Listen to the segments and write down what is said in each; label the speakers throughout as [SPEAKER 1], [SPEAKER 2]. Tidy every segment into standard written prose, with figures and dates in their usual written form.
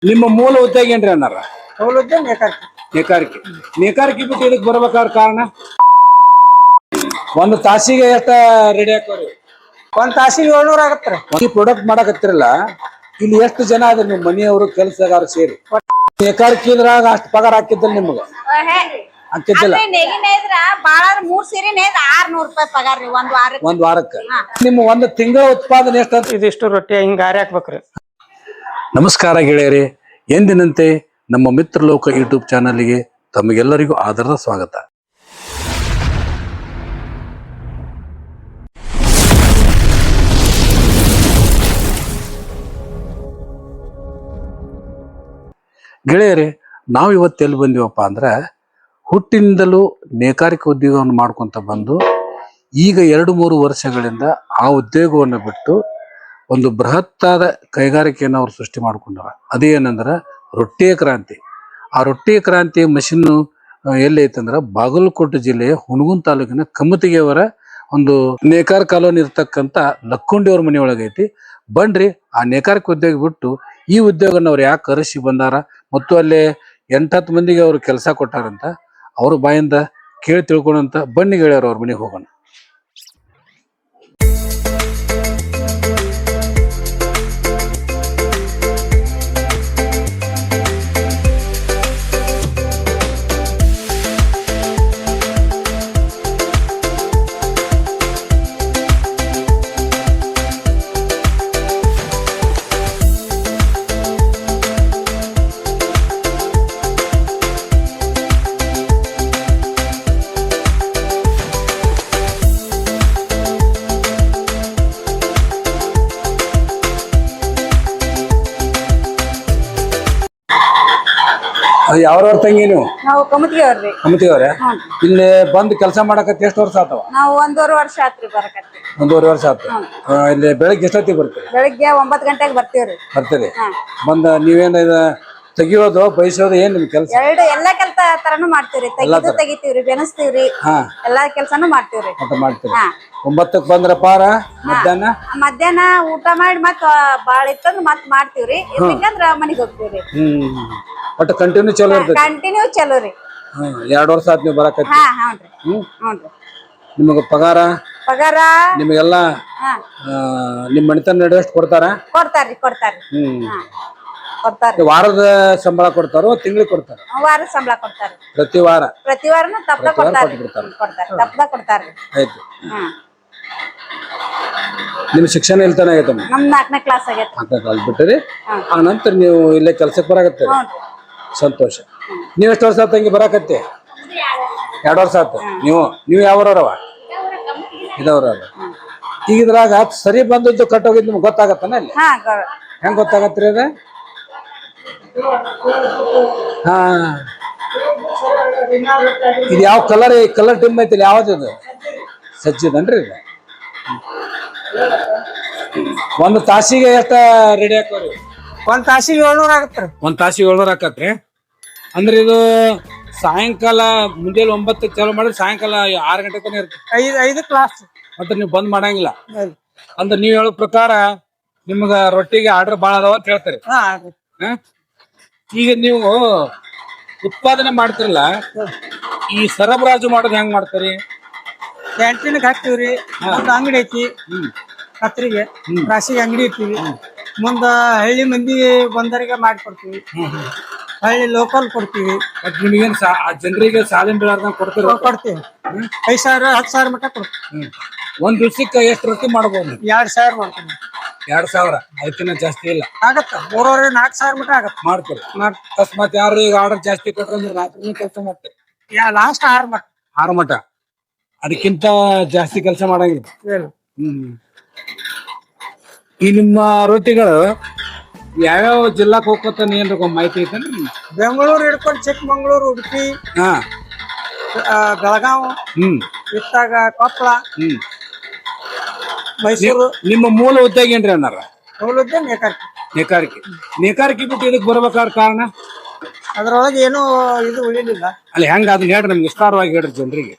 [SPEAKER 1] ನಿಮ್ಮ ಮೂಲ ಉದ್ಯೋಗ ಏನ್ರಿ ಅನ್ನಾರ?
[SPEAKER 2] ಸೌಲಭ್ಯ ನೇಕಾರಿಕೆ.
[SPEAKER 1] ನೇಕಾರಿಕೆ. ನೇಕಾರಿಕೆ ಬಿಟ್ಟು ಇದಕ್ ಬರ್ಬೇಕಾದ ಕಾರಣ? ಒಂದು ತಾಸಿಗೆ ಎಷ್ಟ ರೆಡಿ ಹಾಕೋರಿ?
[SPEAKER 2] ಒಂದ್ ತಾಸಿಗೆ 700 ಆಗತ್ರಿ.
[SPEAKER 1] ಈ ಪ್ರಾಡಕ್ಟ್ ಮಾಡಕತ್ತಿರಲ್ಲ, ಇಲ್ಲಿ ಎಷ್ಟು ಜನ ಅದ್ರ ನಿಮ್ ಮನೆಯವರು ಕೆಲಸಗಾರ ಸೇರಿ? ನೇಕಾರಿಕೆದ್ರಾಗ ಅಷ್ಟು ಪಗಾರ ಹಾಕಿದ್ದಲ್ಲ ನಿಮ್ಗ? ಹಾಕಿದ್ದಿಲ್ಲ.
[SPEAKER 3] ಬಾಳ 3 ಸೀರೆ 600 ರೂಪಾಯಿ ಪಗಾರ ರೀ
[SPEAKER 1] ಒಂದ್ ವಾರಕ್ಕೆ. ನಿಮ್ಮ ಒಂದು ತಿಂಗಳ ಉತ್ಪಾದನೆ ಎಷ್ಟ?
[SPEAKER 2] ಇದಿಷ್ಟು ರೊಟ್ಟಿ ಹಿಂಗ ಆರಿ ಹಾಕ್ಬೇಕ್ರಿ.
[SPEAKER 1] ನಮಸ್ಕಾರ ಗೆಳೆಯರಿ, ಎಂದಿನಂತೆ ನಮ್ಮ ಮಿತ್ರಲೋಕ ಯೂಟ್ಯೂಬ್ ಚಾನಲ್ಗೆ ತಮಗೆಲ್ಲರಿಗೂ ಆದರದ ಸ್ವಾಗತ. ಗೆಳೆಯರೇ, ನಾವು ಇವತ್ತು ಎಲ್ಲಿ ಬಂದಿವಪ್ಪ ಅಂದ್ರೆ, ಹುಟ್ಟಿನಿಂದಲೂ ನೇಕಾರಿಕೆ ಉದ್ಯೋಗವನ್ನು ಮಾಡ್ಕೊಂತ ಬಂದು ಈಗ 2-3 ವರ್ಷಗಳಿಂದ ಆ ಉದ್ಯೋಗವನ್ನು ಬಿಟ್ಟು ಒಂದು ಬೃಹತ್ತಾದ ಕೈಗಾರಿಕೆಯನ್ನು ಅವ್ರು ಸೃಷ್ಟಿ ಮಾಡ್ಕೊಂಡಾರ. ಅದೇನಂದ್ರೆ ರೊಟ್ಟಿಯ ಕ್ರಾಂತಿ. ಆ ರೊಟ್ಟಿಯ ಕ್ರಾಂತಿ ಮಷಿನ್ನು ಎಲ್ಲಿ ಐತಂದ್ರೆ ಬಾಗಲಕೋಟೆ ಜಿಲ್ಲೆಯ ಹುಣಗುನ್ ತಾಲೂಕಿನ ಕಮ್ಮತಿಗೆಯವರ ಒಂದು ನೇಕಾರ ಕಾಲೋನಿ ಇರ್ತಕ್ಕಂಥ ಲಕ್ಕುಂಡಿಯವ್ರ ಮನೆಯೊಳಗೆ ಐತಿ. ಬನ್ರಿ ಆ ನೇಕಾರಿಕೆ ಉದ್ಯೋಗ ಬಿಟ್ಟು ಈ ಉದ್ಯೋಗನ ಅವ್ರು ಯಾಕೆ ಕರೆಸಿ ಬಂದಾರ ಮತ್ತು ಅಲ್ಲಿ 8-10 ಮಂದಿಗೆ ಅವ್ರು ಕೆಲಸ ಕೊಟ್ಟಾರಂತ ಅವ್ರ ಬಾಯಿಂದ ಕೇಳಿ ತಿಳ್ಕೊಂಡಂತ ಬನ್ನಿ ಗೆಳೆಯರು ಅವ್ರ ಮನೆಗೆ ಹೋಗೋಣ. ಯಾವ್ರವ್ರ ತಂಗಿ ನೀವು?
[SPEAKER 3] ನಾವು ಕಮತಿಯವ್ರಿ.
[SPEAKER 1] ಕಮ್ಮತಿಯವ್ರೆ? ಇಲ್ಲಿ ಬಂದು ಕೆಲಸ ಮಾಡಕತ್ತಿ ಎಷ್ಟು ವರ್ಷ ಆತವ?
[SPEAKER 3] ನಾವು 1.5 ವರ್ಷ ಆತ್ರಿ ಬರಕತ್ತಿ.
[SPEAKER 1] 1.5 ವರ್ಷ ಆತ. ಇಲ್ಲಿ ಬೆಳಗ್ಗೆ ಎಷ್ಟೊತ್ತಿಗೆ ಬರ್ತೀರಿ?
[SPEAKER 3] ಬೆಳಿಗ್ಗೆ 9 ಗಂಟೆಗೆ ಬರ್ತೀವ್ರಿ.
[SPEAKER 1] ಬರ್ತೀರಿ? ಬಂದ ನೀವೇನ ತೆಗಿಯೋದು ಬಯಸೋದು ಏನ್ ನಿಮ್ ಕೆಲಸ?
[SPEAKER 3] ಎಲ್ಲಾ ಕೆಲಸ ತರನು ಮಾಡ್ತೀವ್ರಿ. ತೆಗಿತೀವ್ರಿ, ಬೆನಸ್ತೀವ್ರಿ, ಎಲ್ಲಾ ಕೆಲ್ಸಾನು ಮಾಡ್ತೀವ್ರಿ.
[SPEAKER 1] ಮಾಡ್ತೀರಿ. 9ಕ್ಕೆ ಬಂದ್ರ ಪಾರ
[SPEAKER 3] ಮಧ್ಯಾಹ್ನ ಊಟ ಮಾಡಿ ಮತ್ ಬಾಳ ಇತ್ತಂದ್ರ ಮತ್ ಮಾಡ್ತೀವ್ರಿ. ಇಲ್ಲಂದ್ರ ಮನಿಗ್ ಹೋಗ್ತೀವ್ರಿ.
[SPEAKER 1] ಒಟ್ಟು ಕಂಟಿನ್ಯೂ ಚಲೋ ಇರ್ತೈತಿ?
[SPEAKER 3] ಕಂಟಿನ್ಯೂ ಚಲೋ ರೀ.
[SPEAKER 1] 2 ವರ್ಷ ಆತ್ ನೀವು ಬರಕತ್ತಿ?
[SPEAKER 3] ಹ್ಞೂನ್ರಿ.
[SPEAKER 1] ನಿಮಗ ಪಗಾರ ನಿಮಗೆಲ್ಲ ನಿಮ್ ಮನಿತನ ನಡೆಯಷ್ಟು ಕೊಡ್ತಾರ?
[SPEAKER 3] ಕೊಡ್ತಾರ್ರಿ.
[SPEAKER 1] ವಾರದ ಸಂಬಳ ಕೊಡ್ತಾರೋ ತಿಂಗಳಿಗೆ ಕೊಡ್ತಾರ?
[SPEAKER 3] ವಾರದ ಸಂಬಳ ಕೊಡ್ತಾರ.
[SPEAKER 1] ಪ್ರತಿ
[SPEAKER 3] ವಾರನು ತಪ್ಪದ ಕೊಡ್ತಾರ್ರಿ.
[SPEAKER 1] ಆಯ್ತು. ನಿಮ್ ಶಿಕ್ಷಣ ಎಲ್ತಾನ ಆಗೈತಮ್ಮ?
[SPEAKER 3] ನಮ್ 4ನೇ ಕ್ಲಾಸ್ ಆಗೈತಿ.
[SPEAKER 1] 4ನೇ ಕ್ಲಾಸ್ ಬಿಟ್ಟರಿ ಆ ನಂತರ ನೀವು ಇಲ್ಲೇ ಕೆಲ್ಸಕ್ಕೆ ಬರಾಕತ್ತೀರಿ? ಸಂತೋಷ. ನೀವ್ ಎಷ್ಟು ವರ್ಷ ಆತ ಹಂಗೆ ಬರಾಕತ್ತಿ? 2 ವರ್ಷ ಆತ. ನೀವು ಯಾವ್ರವ? ಇದವ್ರ. ಈಗ ಇದ್ರಾಗ ಸರಿ ಬಂದದ್ದು ಕಟ್ಟೋಗಿದ್ ನಿಮ್ಗೆ ಗೊತ್ತಾಗತ್ತಾನ? ಅಲ್ಲಿ ಹೆಂಗ್ ಗೊತ್ತಾಗತ್ರಿ ಅದ? ಹಾ, ಇದು ಯಾವ ಕಲರ್ ಟಿಮ್ ಐತಿಲ್ಲ? ಯಾವ್ದು ಸಜ್ಜಿದನ್ರಿ ಇದು? ಒಂದು ತಾಸಿಗೆ ಎಷ್ಟ ರೆಡಿ ಹಾಕೋರಿ?
[SPEAKER 2] ಒಂದ್ ತಾಸಿಗೆ 700 ಆಗತ್ರಿ.
[SPEAKER 1] ಒಂದ್ ತಾಸಿಗೆ 700 ಹಾಕತ್ರಿ. ಅಂದ್ರೆ ಇದು ಸಾಯಂಕಾಲ ಮುಂಜಾನೆ 9ಕ್ಕೆ ಚಾಲು ಮಾಡಿದ್ರೆ ಸಾಯಂಕಾಲ 6 ಗಂಟೆ ತನಕ ಇರುತ್ತೆ.
[SPEAKER 2] 5 ಕ್ಲಾಸ್.
[SPEAKER 1] ಮತ್ತೆ ನೀವು ಬಂದ್ ಮಾಡಂಗಿಲ್ಲ ಅಂದ್ರೆ ನೀವ್ ಹೇಳೋ ಪ್ರಕಾರ ನಿಮ್ಗ ರೊಟ್ಟಿಗೆ ಆರ್ಡರ್ ಬಾಳ ಅದಾವ ಅಂತ ಹೇಳ್ತಾರೆ. ಈಗ ನೀವು ಉತ್ಪಾದನೆ ಮಾಡ್ತಿರಲ್ಲ, ಈ ಸರಬರಾಜು ಮಾಡೋದು ಹೆಂಗ್ ಮಾಡ್ತೀರಿ?
[SPEAKER 2] ಕ್ಯಾಂಟೀನ್ಗೆ ಹಾಕ್ತಿವ್ರಿ. ಒಂದು ಅಂಗಡಿ ಐತಿ ಕತ್ರಿಗೆ, ರಾಸಿಗೆ ಅಂಗಡಿ ಇರ್ತೀವಿ. ಮುಂದ ಹಳ್ಳಿ ಮಂದಿ ಬಂದರಿಗೆ ಮಾಡಿಕೊಡ್ತೀವಿ. ಹಳ್ಳಿ ಲೋಕಲ್ ಕೊಡ್ತೀವಿ.
[SPEAKER 1] ನಿಮಗೇನ್ ಜನರಿಗೆ ಸಾಲಿನ ಬೀಳಾರ್ದಂಗ ಕೊಡ್ತೀವಿ?
[SPEAKER 2] 5,000 10,000 ಮಟ್ಟ ಕೊಡ್ತೀವಿ.
[SPEAKER 1] ಒಂದ್ ದಿವ್ಸಕ್ಕೆ ಎಷ್ಟು ರೊಟ್ಟಿ ಮಾಡ್ಬೋದು?
[SPEAKER 2] 2,000 ಮಾಡ್ತೀವಿ.
[SPEAKER 1] 2,000? ಅದಕ್ಕಿಂತ ಜಾಸ್ತಿ ಇಲ್ಲ
[SPEAKER 2] ಆಗತ್ತ. 3,000-4,000 ಮಟ್ಟ ಆಗತ್ತ.
[SPEAKER 1] ಮಾಡ್ತೀರಿ? ಅಕಸ್ಮಾತ್ ಯಾರು ಈಗ ಆರ್ಡರ್ ಜಾಸ್ತಿ ಕೊಟ್ಟರೆ ರಾತ್ರಿ ಕೆಲಸ ಮಾಡ್ತೀರಿ?
[SPEAKER 2] ಲಾಸ್ಟ್ 6 ಮಟ್ಟ.
[SPEAKER 1] 6 ಮಟ್ಟ? ಅದಕ್ಕಿಂತ ಜಾಸ್ತಿ ಕೆಲಸ ಮಾಡಂಗಿಲ್ಲ? ಈ ನಿಮ್ಮ ರೊಟ್ಟಿಗಳು ಯಾವ್ಯಾವ ಜಿಲ್ಲಾಕ್ ಹೋಗ್ಕೊತ ಏನ್ರ ಮಾಹಿತಿ ಐತೇನ್ರಿ?
[SPEAKER 2] ಬೆಂಗಳೂರು ಹಿಡ್ಕೊಂಡು ಚಿಕ್ಕಮಂಗ್ಳೂರು, ಉಡುಪಿ, ಬೆಳಗಾವ್, ಇತ್ತಾಗ ಕೊಪ್ಪಳ, ಮೈಸೂರು.
[SPEAKER 1] ನಿಮ್ಮ ಮೂಲ ಉದ್ಯೋಗ ಏನ್ರಿ ಅನ್ನಾರ?
[SPEAKER 2] ಸೌಲಭ್ಯ ನೇಕಾರಿಕೆ.
[SPEAKER 1] ನೇಕಾರಿಕೆ ಬಿಟ್ಟು ಇದಕ್ ಬರ್ಬೇಕಾದ ಕಾರಣ?
[SPEAKER 2] ಅದ್ರೊಳಗೆ ಏನೂ ಇದು ಉಳಿಲಿಲ್ಲ.
[SPEAKER 1] ಅಲ್ಲಿ ಹೆಂಗ ಅದನ್ನ ಹೇಳ್ರಿ, ನಮ್ಗೆ ವಿಸ್ತಾರವಾಗಿ ಹೇಳ್ರಿ ಜನರಿಗೆ.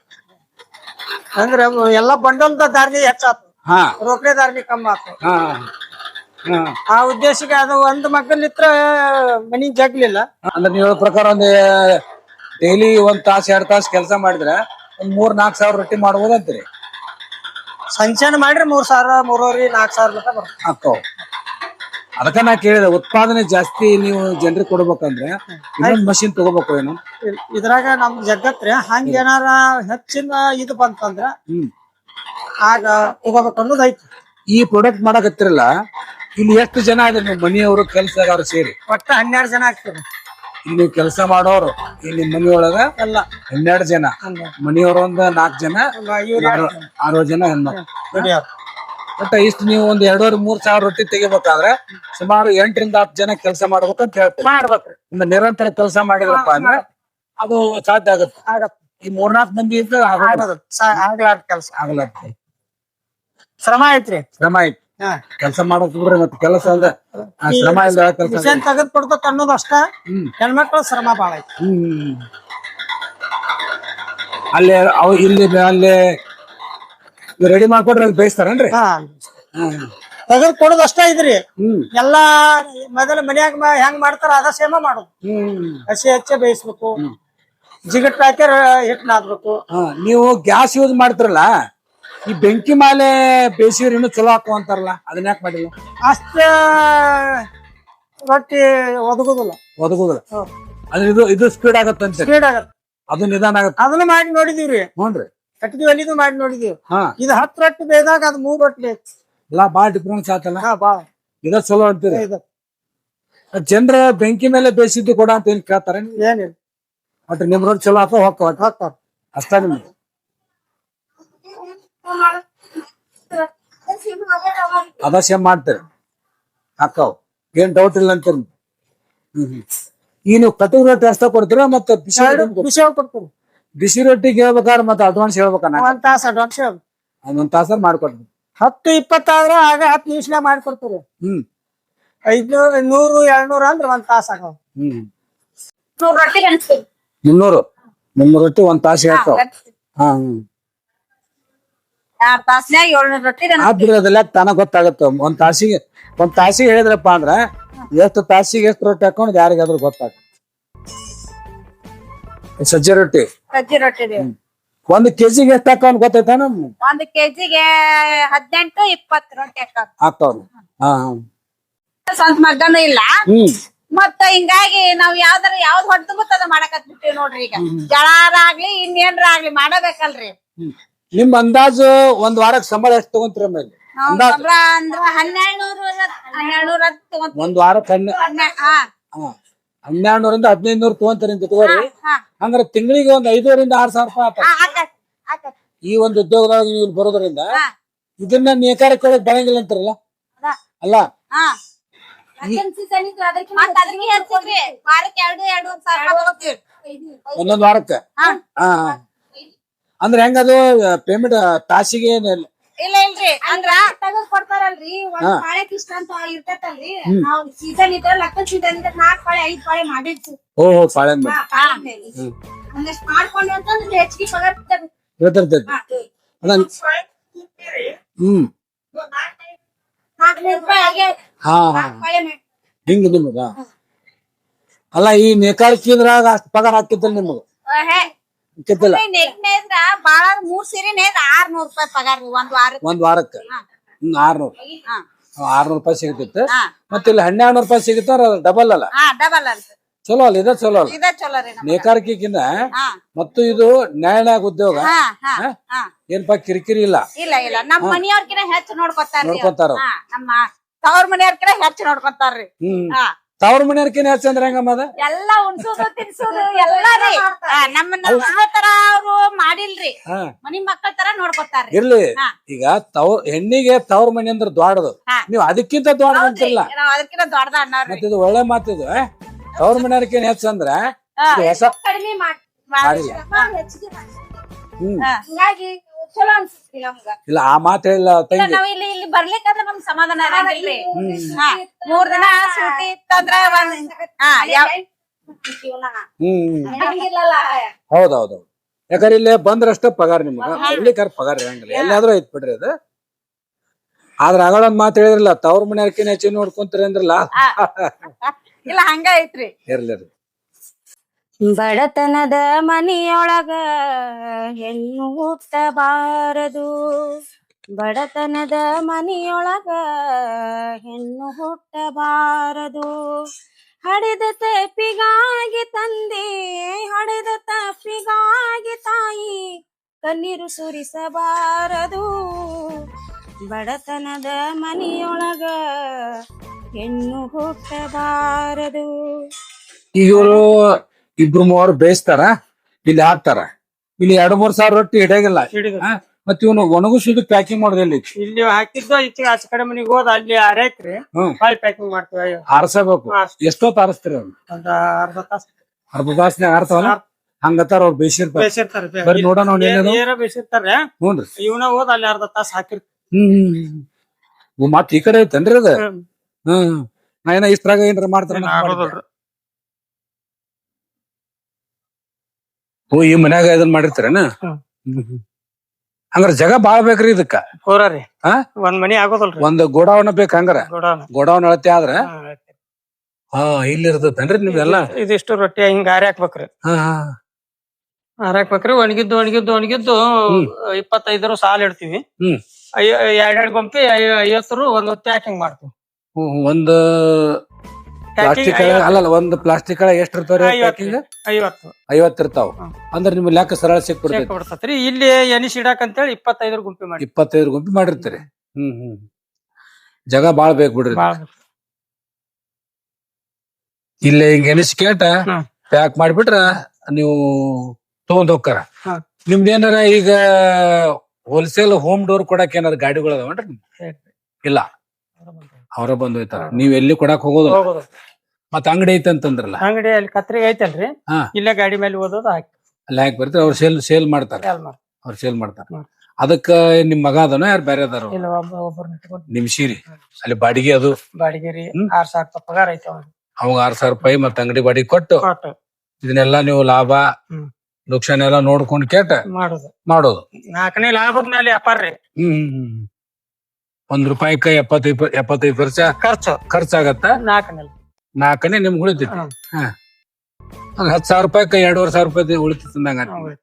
[SPEAKER 2] ಅಂದ್ರೆ ಎಲ್ಲ ಬಂಡಲ್ದ ಧಾರಣೆ ಹೆಚ್ಚಾತು, ರೊಕ್ಕದ ಧಾರಣೆ ಕಮ್ಮಿ ಆತು. ಆ ಉದ್ದೇಶಕ್ಕೆ ಅದು ಒಂದ್ ಮಕ್ಕಳಿತ್ರ ಮನಿ ಜಗ್ಲಿಲ್ಲ.
[SPEAKER 1] ಅಂದ್ರೆ ನೀವು ಹೇಳೋ ಪ್ರಕಾರ ಒಂದ್ ಡೈಲಿ 1 ತಾಸ್ 2 ತಾಸ್ ಕೆಲಸ ಮಾಡಿದ್ರೆ ಒಂದ್ 3-4 ಸಾವಿರ ರೊಟ್ಟಿ ಮಾಡ್ಬೋದು ಅಂತೀರಿ.
[SPEAKER 2] ಸಂಚಾನ ಮಾಡ್ರಿ 3,000 3,500 4,000 ಮಟ್ಟ ಬರ್ತದೆ.
[SPEAKER 1] ಅಕ್ಕವ್ ಅದಕ್ಕ ನಾ ಕೇಳಿದೆ, ಉತ್ಪಾದನೆ ಜಾಸ್ತಿ ನೀವು ಜನರಿಗೆ ಕೊಡ್ಬೇಕಂದ್ರೆ ಇನ್ನೊಂದ್ ಮಷಿನ್ ತಗೋಬೇಕು ಏನು?
[SPEAKER 2] ಇದ್ರಾಗ ನಮ್ ಜಗತ್ರಿ ಹಂಗ ಏನಾರ ಹೆಚ್ಚಿನ ಇದು ಬಂತಂದ್ರ ಆಗ ತಗೋಬೇಕು ಅನ್ನೋದು ಐತಿ.
[SPEAKER 1] ಈ ಪ್ರಾಡಕ್ಟ್ ಮಾಡಕತ್ತಿರಲ್ಲ, ಇಲ್ಲಿ ಎಷ್ಟು ಜನ ಇದೆ ನೀವು ಮನೆಯವರು ಕೆಲಸಗಾರರು ಸೇರಿ?
[SPEAKER 2] ಒಟ್ಟ 12 ಜನ ಆಗ್ತದೆ
[SPEAKER 1] ಇಲ್ಲಿ ಕೆಲಸ ಮಾಡೋರು. ಇಲ್ಲಿ ಮನೆಯೊಳಗ
[SPEAKER 2] ಎಲ್ಲ
[SPEAKER 1] 12 ಜನ, ಮನೆಯವರು ಒಂದ್ 4 ಜನ, 6 ಜನ ಹೆಣ್ಮಕ್ಳು.
[SPEAKER 2] ದುಡಿಯೋರು.
[SPEAKER 1] ಒಟ್ಟ ಇಷ್ಟು ನೀವು ಒಂದ್ 2,500-3 ಸಾವಿರ ರೊಟ್ಟಿ ತೆಗಿಬೇಕಾದ್ರೆ ಸುಮಾರು 8ರಿಂದ 10 ಜನ ಕೆಲಸ ಮಾಡ್ಬೇಕಂತ ಹೇಳ್ತೀವಿ.
[SPEAKER 2] ಮಾಡ್ಬೇಕ್ರಿ.
[SPEAKER 1] ಒಂದು ನಿರಂತರ ಕೆಲಸ ಮಾಡಿದ್ರಪ್ಪ ಅಂದ್ರೆ ಅದು ಸಾಧ್ಯ ಆಗುತ್ತೆ. ಈ 3-4 ಮಂದಿ ಇದ್ರೆ
[SPEAKER 2] ಆಗ್ಲಾರ್ದ ಕೆಲ್ಸ
[SPEAKER 1] ಆಗಲತ್ತೆ.
[SPEAKER 2] ಶ್ರಮ ಐತ್ರಿ.
[SPEAKER 1] ಶ್ರಮ ಐತಿ ಕೆಲಸ ಮಾಡೋಕ್ ಬಿಡ್ರಿ, ಮತ್ತೆ ಕೆಲಸ ಅಲ್ದ ಶ್ರಮ ಇಲ್ಲ ಕೆಲಸ.
[SPEAKER 2] ಮಿಷನ್ ತೆಗೆದ್ ಕೊಡ್ಬೇಕ ಅನ್ನೋದು ಅಷ್ಟ. ಹೆಣ್ಮಕ್ಳು ಶ್ರಮ ಬಾಳ ಐತಿ.
[SPEAKER 1] ಅಲ್ಲಿ ಅವ್ ಇಲ್ಲಿ ಅಲ್ಲಿ ರೆಡಿ ಮಾಡ್ಕೊಡ್ರಿ, ಅಲ್ಲಿ ಬೇಯಿಸ್ತಾರನ್ರಿ?
[SPEAKER 2] ತೆಗೆದ್ ಕೊಡೋದು ಅಷ್ಟ ಐತ್ರಿ. ಎಲ್ಲಾ ಮೊದಲ ಮನ್ಯಾಗ ಹೆಂಗ್ ಮಾಡ್ತಾರ ಅದ ಸೇಮ ಮಾಡೋದು. ಹಸಿ ಹಚ್ಚೆ ಬೇಯಿಸ್ಬೇಕು, ಜಿಗಟ್ ಹಾಕ್ಯಾರ ಹಿಟ್ ನಾದ್ಬೇಕು.
[SPEAKER 1] ನೀವು ಗ್ಯಾಸ್ ಯೂಸ್ ಮಾಡ್ತಿರಲ್ಲ, ಈ ಬೆಂಕಿ ಮೇಲೆ ಬೇಯಿಸಿದ್ರೆ ಇನ್ನೂ ಚಲೋ ಹಾಕುವ ಅಂತಾರಲ್ಲ, ಅದನ್ನ ಯಾಕೆ ಮಾಡಿಲ್ಲ?
[SPEAKER 2] ಅಷ್ಟ ರೊಟ್ಟಿ ಒದಗುದಿಲ್ಲ.
[SPEAKER 1] ಅಂದ್ರೆ ಇದು ಸ್ಪೀಡ್ ಆಗತ್ತಂತ.
[SPEAKER 2] ಸ್ಪೀಡ್ ಆಗತ್ತ,
[SPEAKER 1] ಅದು ನಿಧಾನ ಆಗತ್ತ.
[SPEAKER 2] ಅದನ್ನ ಮಾಡಿ ನೋಡಿದೀವ್ರಿ.
[SPEAKER 1] ಹ್ಞೂನ್ರಿ,
[SPEAKER 2] ಕಟ್ಟಿಗೆ ಒಲಿದು ಮಾಡಿ ನೋಡಿದೀವಿ. ಇದು 10 ರೊಟ್ಟಿ ಬೇಯ್ದಾಗ ಅದು 3 ರೊಟ್ಟಿ
[SPEAKER 1] ಎಲ್ಲಾ ಬಾಳ ಡಿಫ್ರೆನ್ಸ್ ಆತಲ್ಲ.
[SPEAKER 2] ಬಾಳ
[SPEAKER 1] ಇದ ಚಲೋ ಅಂತೀರಿ. ಜನರ ಬೆಂಕಿ ಮೇಲೆ ಬೇಯಿಸಿದ್ದು ಕೊಡ ಅಂತ ಏನ್ ಕೇಳ್ತಾರ?
[SPEAKER 2] ಏನಿಲ್ಲ,
[SPEAKER 1] ಒಟ್ಟು ನಿಮ್ ರೊಟ್ಟಿ ಚಲೋ ಹಾಕೋ ಹೋಗ್ತಾವ ಅಷ್ಟ. ನಿಮ್ಗೆ ಅದ ಸೇಮ್ ಮಾಡ್ತೀರಿ, ಹಾಕಾವ್, ಏನ್ ಡೌಟ್ ಇಲ್ಲ ಅಂತೀರಿ. ಈ ನೀವು ಕಟಕ್ ರೊಟ್ಟಿ ಅಷ್ಟ ಕೊಡ್ತೀರಾ ಮತ್ತೆ
[SPEAKER 2] ಬಿಸಿ ಕೊಡ್ತೀವಿ?
[SPEAKER 1] ಬಿಸಿ ರೊಟ್ಟಿಗೆ ಹೇಳ್ಬೇಕಾದ್ರೆ ಮತ್ತೆ ಅಡ್ವಾನ್ಸ್ ಹೇಳ್ಬೇಕಣ್ಣ.
[SPEAKER 2] 1 ತಾಸು ಅಡ್ವಾನ್ಸ್
[SPEAKER 1] ಒಂದ್ ತಾಸ ಮಾಡ್ಕೊಡ್ತೀವಿ.
[SPEAKER 2] 10-20 ಆದ್ರೆ ಆಗ 10 ನಿಮಿಷ ಮಾಡ್ಕೊಡ್ತೀವಿ. 500 100 200 ಅಂದ್ರೆ 1 ತಾಸ ಆಗವ.
[SPEAKER 3] 100 ರೊಟ್ಟಿ ಅನ್ಸ್ತೀವಿ.
[SPEAKER 1] 300 ರೊಟ್ಟಿ 1 ತಾಸು ಹೇಳ್ತಾವ.
[SPEAKER 3] 2 ತಾಸ್ನ್ಯಾಗ 700 ರೊಟ್ಟಿ
[SPEAKER 1] ಅದೆಲ್ಲ ತಾನ ಗೊತ್ತಾಗತ್ತ. ಒಂದ್ ತಾಸಿಗೆ ಹೇಳಿದ್ರಪ್ಪ ಅಂದ್ರ ಎಷ್ಟು ತಾಸಿಗೆ ಎಷ್ಟು ರೊಟ್ಟಿ ಹಾಕೊಂಡು ಯಾರಿಗಾದ್ರೂ ಗೊತ್ತಾಗ. ಸಜ್ಜೆ ರೊಟ್ಟಿ ಒಂದ್ ಕೆಜಿಗೆ ಎಷ್ಟು ಹಾಕೋನ್ ಗೊತ್ತೈತ?
[SPEAKER 3] 1 ಕೆಜಿಗೆ 18-20 ರೊಟ್ಟಿ
[SPEAKER 1] ಹಾಕವ್.
[SPEAKER 3] ಸ್ವಂತ ಮಗನೂ ಇಲ್ಲ. ಮತ್ತ ಹಿಂಗಾಗಿ ನಾವ್ ಯಾವ್ದ್ ಹೊಟ್ಟು ಗೊತ್ತದ ಮಾಡಕತ್ ಬಿಟ್ಟಿವಿ ನೋಡ್ರಿ. ಈಗ ಜಳಾರ ಆಗ್ಲಿ ಇನ್ನೇನ್ರ ಆಗ್ಲಿ ಮಾಡಬೇಕಲ್ರಿ.
[SPEAKER 1] ನಿಮ್ ಅಂದಾಜು ಒಂದ್ ವಾರಕ್ ಸಂಬಳ ಎಷ್ಟು ತಗೊಂತೀರ? ಮೇಲೆ
[SPEAKER 3] ಸಂಬಳ ಅಂದ್ರ 1200
[SPEAKER 1] ಒಂದ್ ವಾರಕ್ಕೆ 1200ರಿಂದ 1500 ತಗೊಂತೀರಿ ಅಂತ ತಗೋರಿ. ಅಂದ್ರೆ ತಿಂಗಳಿಗೆ ಒಂದ್ 5,000-6,000 ರೂಪಾಯಿ ಆತ. ಈ ಒಂದು ಉದ್ಯೋಗದಾಗ ನೀವು ಬರೋದ್ರಿಂದ ಇದನ್ನ ನೇಕಾರಕ್ಕೆ ಕೊಡಕ್ ಬರಂಗಿಲ್ಲ ಅಂತಾರಲ್ಲ? ಅಲ್ಲ, ಒಂದೊಂದ್ ವಾರಕ್ಕೆ. ಅಂದ್ರೆ ಹೆಂಗದು ಪೇಮೆಂಟ್ ತಾಸಿಗೆ?
[SPEAKER 3] ಇಲ್ಲ ಇಲ್ರಿ, ಅಂದ್ರ ತಗದ್ ಕೊಡ್ತಾರಲ್ರಿ. ಒಂದ್ ಪಾಳ್ಯಕ್ ಇಷ್ಟ ಅಂತ ಇರ್ತೈತಲ್ರಿ. ನಾವ್ ಸೀಸನ್ ಇದ್ರ ಲಕ್ಕನ್ ಸೀಸನ್ ಇದ್ರ 4 ಪಾಳೆ 5 ಪಾಳೆ ಮಾಡಿರ್ತೀವಿ.
[SPEAKER 1] ಪಾಳೆ
[SPEAKER 3] ಹಂಗಷ್ಟ್ ಮಾಡ್ಕೊಂಡ್ವಿ ಅಂತಂದ್ರೆ ಹೆಚ್ಚಿಗೆ ಪಗಾರ
[SPEAKER 1] ಇರ್ತೈತಿ. ಹಿಂಗ ನಿಮಗ ಅಲ್ಲ, ಈ ನೇಕಾರಿಕೆದ್ರಾಗ ಅಷ್ಟ್ ಪಗಾರ ಹಾಕಿದ್ದಲ್ಲ ನಿಮಗ?
[SPEAKER 3] ಬಾಳ 3 ಸೀರೆ 600 ರೂಪಾಯಿ ಪಗಾರ
[SPEAKER 1] ಒಂದ್ ವಾರಕ್ಕೆ. 600 ರೂಪಾಯಿ ಸಿಗತಿತ್ತು. ಮತ್ತೆ ಇಲ್ಲಿ 1200 ರೂಪಾಯಿ ಸಿಗುತ್ತಾರ, ಡಬಲ್ ಅಲ್ಲ?
[SPEAKER 3] ಡಬಲ್ ಅಲ್ಲ.
[SPEAKER 1] ಚಲೋ ಅಲ್ಲ, ಇದ ಚಲೋ ಅಲ್ಲ ನೇಕಾರಿಕೆಗಿಂತ. ಮತ್ತು ಇದು ನ್ಯಾಯನಾಗ ಉದ್ಯೋಗ, ಏನ್ಪಾ ಕಿರಿಕಿರಿ ಇಲ್ಲ.
[SPEAKER 3] ಇಲ್ಲ ನಮ್ಮ ಮನೆಯವ್ರಕಿನ ಹೆಚ್ಚು
[SPEAKER 1] ನೋಡ್ಕೊತಾರ.
[SPEAKER 3] ನಮ್ಮ ತವ್ರ ಮನೆಯವ್ರಕಿನ ಹೆಚ್ಚು ನೋಡ್ಕೊತಾರ್ರಿ.
[SPEAKER 1] ತವ್ರ ಮನೆಯವ್ರಕಿನ ಹೆಚ್ಚು ಅಂದ್ರೆ ಹೆಂಗಮ್ಮದ?
[SPEAKER 3] ಎಲ್ಲ ಉಣ್ಸೋದು ತಿನ್ಸೋದು ಎಲ್ಲ ರೀ. ನಮ್ಮನ್ನ ತರ ಅವ್ರು ಮಾಡಿಲ್ರಿ, ಮನಿ ಮಕ್ಕಳ ತರ ನೋಡ್ಕೊತಾರ್ರಿ.
[SPEAKER 1] ಇರ್ಲಿ, ಈಗ ಹೆಣ್ಣಿಗೆ ತವ್ರ ಮನೆ ಅಂದ್ರೆ ದೊಡ್ಡದು, ನೀವ್ ಅದಕ್ಕಿಂತ ದೊಡ್ಡದು ಅಂತಿಲ್ಲ.
[SPEAKER 3] ಅದಕ್ಕಿಂತ ದೊಡ್ಡದ ಅನ್ನೋರು.
[SPEAKER 1] ಮತ್ತೆ ಇದು ಒಳ್ಳೆ ಮಾತಿದು. ತವ್ರ ಮನೆಯವ್ರಕಿನ ಹೆಚ್ಚು ಅಂದ್ರ ಹೊಸ
[SPEAKER 3] ಕಡಿಮೆ ಮಾಡಿಲ್ಲ. ಹಿಂಗಾಗಿ ಚಲೋ ಅನ್ಸುತ್ತೆ ನಮ್ಗ.
[SPEAKER 1] ಇಲ್ಲ, ಆ ಮಾತು ಹೇಳಿಲ್ಲ ತಂಗಿ.
[SPEAKER 3] ನಾವ್ ಇಲ್ಲಿ ಬರ್ಲಿಕ್ಕಂದ್ರ ನಮ್ ಸಮಾಧಾನ ಇರಂಗಿಲ್ರಿ. 3 ದಿನ ಸೂಟಿ ಇತ್ತಂದ್ರ
[SPEAKER 1] ಹೌದೌದು. ಯಾಕಂದ್ರೆ ಇಲ್ಲೇ ಬಂದ್ರಷ್ಟ ಪಗಾರ ನಿಮ್ಗ, ಬರ್ಲಿಕ್ಕಾರ ಪಗಾರ ಇರಂಗಿಲ್ಲ. ಎಲ್ಲಾದ್ರೂ ಐತ್ ಬಿಡ್ರಿ ಅದು. ಆದ್ರ ಆಗಳೊಂದ್ ಮಾತು ಹೇಳಿದ್ರಲ್ಲ ತವ್ರ ಮನೆಯವ್ರಕಿನ ಹೆಚ್ಚಿನ ನೋಡ್ಕೊಂತೀರಿ ಅಂದ್ರಲ್ಲ.
[SPEAKER 3] ಇಲ್ಲ ಹಂಗ ಐತ್ರಿ.
[SPEAKER 1] ಇರ್ಲಿ.
[SPEAKER 4] ಬಡತನದ ಮನಿಯೊಳಗ ಹೆಣ್ಣು ಹುಟ್ಟಬಾರದು, ಬಡತನದ ಮನಿಯೊಳಗ ಹೆಣ್ಣು ಹುಟ್ಟಬಾರದು. ಹಡೆದ ತಪ್ಪಿಗಾಗಿ ತಂದೆ, ಹಡೆದ ತಪ್ಪಿಗಾಗಿ ತಾಯಿ, ಕಣ್ಣೀರು ಸುರಿಸಬಾರದು. ಬಡತನದ ಮನಿಯೊಳಗ ಹೆಣ್ಣು ಹುಟ್ಟಬಾರದು.
[SPEAKER 1] ಈಗ ಇವರು ಇಬ್ರು ಮೂವರು ಬೇಯಿಸ್ತಾರ, ಇಲ್ಲಿ ಹಾಕ್ತಾರ, ಇಲ್ಲಿ 2-3 ಸಾವಿರ ರೊಟ್ಟಿ ಹಿಡಿಯಾಗಿಲ್ಲ. ಮತ್ ಇವನು ಒಣಗಿಸಿದ ಪ್ಯಾಕಿಂಗ್ ಮಾಡೋದಿಲ್ಲ.
[SPEAKER 2] ಇಲ್ಲಿ ಹಾಕಿದ್ದು ಈಚೆ ಆಚೆ ಕಡೆ ಮನಿಗೆ ಹೋದ ಅಲ್ಲಿ ಅರೇಕ್ರಿ ಹೊಳ್ ಪ್ಯಾಕಿಂಗ್ ಮಾಡ್ತೀವಿ.
[SPEAKER 1] ಆರ್ಸಬೇಕು. ಎಷ್ಟೊತ್ತು ಆರಿಸ್ತೀರಿ ಅವ್ರು?
[SPEAKER 2] ಒಂದ್ ಅರ್ಧ ತಾಸ.
[SPEAKER 1] ಅರ್ಧ ತಾಸ್ನಾಗ ಆರ್ತಾವಲ್ಲ ಹಂಗತ್ತಾರ ಅವ್ರು ಬೇಯಿಸಿರ್ತಾರೆ. ಬರ್ರಿ ನೋಡೋಣ
[SPEAKER 2] ಬೇಯಿಸಿರ್ತಾರೆ.
[SPEAKER 1] ಹ್ಞೂನ್ರಿ.
[SPEAKER 2] ಇವನ ಹೋದ ಅಲ್ಲಿ ಅರ್ಧ ತಾಸ ಹಾಕಿರ್ತೀವಿ.
[SPEAKER 1] ಮತ್ ಈ ಕಡೆ ಐತೇನ್ರಿ ಅದ? ನಾ ಏನ ಇಷ್ಟ್ರಾಗ ಏನ್ರ ಮಾಡ್ತಾರ. ಓ ಈ ಮನ್ಯಾಗ ಇದನ್ ಮಾಡಿರ್ತಾರೇನ? ಹಂಗಾರ ಜಗ ಬಾಳ ಬೇಕ್ರಿ ಇದಕ್ಕ.
[SPEAKER 2] ಹೋರಿ ಒಂದ್ ಮನಿ ಆಗೋದಲ್ರಿ, ಒಂದ್
[SPEAKER 1] ಗೋಡಾವನ ಬೇಕ. ಹಂಗಾರ ಗೋಡಾವನ ಅಳತೆ ಆದ್ರ ಇಲ್ಲಿ ಇರ್ತೇನ್ರಿ ನಿಮ್ದೆಲ್ಲ.
[SPEAKER 2] ಇದಿಷ್ಟು ರೊಟ್ಟಿ ಹಿಂಗ ಆರಿ ಹಾಕ್ಬೇಕ್ರಿ. ಹಾಕ್ಬೇಕ್ರಿ. ಒಣಗಿದ್ದು 25 ಸಾಲ ಇಡ್ತೀವಿ. 2 ಗೊಂಪಿ 50 ಒಂದ್ ಹೊತ್ತಿ ಪ್ಯಾಕಿಂಗ್ ಮಾಡ್ತೀವಿ.
[SPEAKER 1] ಒಂದು ಪ್ಲಾಸ್ಟಿಕ್ ಅಲ್ಲ, ಒಂದು ಪ್ಲಾಸ್ಟಿಕ್ ಎಷ್ಟ್ ಇರ್ತಾವ್ರಿ? 50 ಇರ್ತಾವ. ಅಂದ್ರ ನಿಮ್ ಲೆಕ್ಕ ಸರಳ
[SPEAKER 2] ಸಿಕ್ಬಿಡ್ತೈತ್ರಿ. ಇಲ್ಲಿ ಎನಿಸ್ ಇಡಾಕ್ ಅಂತೇಳಿ 25 ಗುಂಪಿ ಮಾಡಿ
[SPEAKER 1] 25 ಗುಂಪಿ ಮಾಡಿರ್ತೀರಿ. ಜಗ ಬಾಳ್ ಬೇಕ್ ಬಿಡ್ರಿ. ಇಲ್ಲಿ ಹಿಂಗ ಎನಿಸ್ ಕೇಟ ಪ್ಯಾಕ್ ಮಾಡಿಬಿಟ್ರ ನೀವು ತಗೊಂಡ್ ಹೋಗ್ತಾರ. ನಿಮ್ದೇನಾರ ಈಗ ಹೋಲ್ಸೇಲ್ ಹೋಮ್ ಡೋರ್ ಕೊಡಕ್ ಏನಾರ ಗಾಡಿಗಳು ಅದಾವನ್ರಿ? ಇಲ್ಲ, ಅವ್ರ ಬಂದ್ ಹೋಯ್ತಾರ. ನೀವ್ ಎಲ್ಲಿ ಕೊಡಾಕ್ ಹೋಗೋದು? ಮತ್ತ ಅಂಗಡಿ ಐತೆ ಅಂತಂದ್ರಲ್ಲ.
[SPEAKER 2] ಅಂಗಡಿ ಅಲ್ಲಿ ಕತ್ರಿಗೆ ಐತಲ್ರಿ, ಇಲ್ಲೇ ಗಾಡಿ ಮೇಲೆ ಓದೋದು ಹಾಕಿ
[SPEAKER 1] ಅಲ್ಲಿ ಹಾಕಿ ಬರ್ತೀರಿ. ಅವ್ರು ಸೇಲ್ ಮಾಡ್ತಾರ. ಅವ್ರು ಸೇಲ್ ಮಾಡ್ತಾರ. ಅದಕ್ಕ ನಿಮ್ ಮಗ ಅದನ ಯಾರು ಬೇರೆ ಅದಾರ? ನಿಮ್ ಸೀರಿ ಅಲ್ಲಿ ಬಾಡಿಗೆ ಅದು
[SPEAKER 2] ಬಾಡಿಗೆ ರೀ 6,000 ರೂಪಾಯಿ ಪಗಾರ ಐತೆ.
[SPEAKER 1] ಅವಾಗ 6,000 ರೂಪಾಯಿ ಮತ್ತ ಅಂಗಡಿ ಬಾಡಿಗೆ ಕೊಟ್ಟು ಇದನ್ನೆಲ್ಲ ನೀವು ಲಾಭ ನುಕ್ಸಾನ ಎಲ್ಲ ನೋಡ್ಕೊಂಡ್ ಕೇಟ ಮಾಡೋದು.
[SPEAKER 2] 4ನೇ ಲಾಭದ ಮೇಲೆ ವ್ಯಾಪಾರ ರೀ.
[SPEAKER 1] ₹1 75 ಖರ್ಚಾಗತ್ತ. 4ನೇ ನಿಮ್ಗೆ ಉಳಿತೈತಿ. 10,000 ರೂಪಾಯಿ 2,500 ರೂಪಾಯಿ ಉಳಿತಂದಂಗ.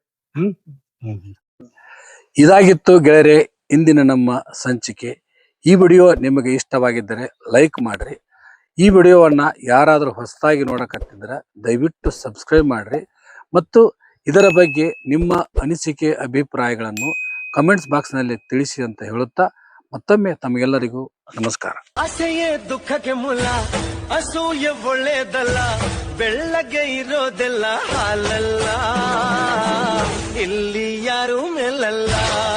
[SPEAKER 1] ಇದಾಗಿತ್ತು ಗೆಳೆಯರೆ ಇಂದಿನ ನಮ್ಮ ಸಂಚಿಕೆ. ಈ ವಿಡಿಯೋ ನಿಮಗೆ ಇಷ್ಟವಾಗಿದ್ದರೆ ಲೈಕ್ ಮಾಡ್ರಿ. ಈ ವಿಡಿಯೋವನ್ನ ಯಾರಾದ್ರೂ ಹೊಸದಾಗಿ ನೋಡಕತ್ತಿದ್ರೆ ದಯವಿಟ್ಟು ಸಬ್ಸ್ಕ್ರೈಬ್ ಮಾಡ್ರಿ. ಮತ್ತು ಇದರ ಬಗ್ಗೆ ನಿಮ್ಮ ಅನಿಸಿಕೆ ಅಭಿಪ್ರಾಯಗಳನ್ನು ಕಮೆಂಟ್ಸ್ ಬಾಕ್ಸ್ ನಲ್ಲಿ ತಿಳಿಸಿ ಅಂತ ಹೇಳುತ್ತಾ ಮತ್ತೊಮ್ಮೆ ತಮಗೆಲ್ಲರಿಗೂ ನಮಸ್ಕಾರ.
[SPEAKER 5] ಆಸೆಯೇ ದುಃಖಕ್ಕೆ ಮೂಲ, ಅಸೂಯೆ ಒಳ್ಳೆಯದಲ್ಲ, ಬೆಳ್ಳಗೆ ಇರೋದೆಲ್ಲ ಹಾಲಲ್ಲ, ಇಲ್ಲಿ ಯಾರು ಮೇಲಲ್ಲ.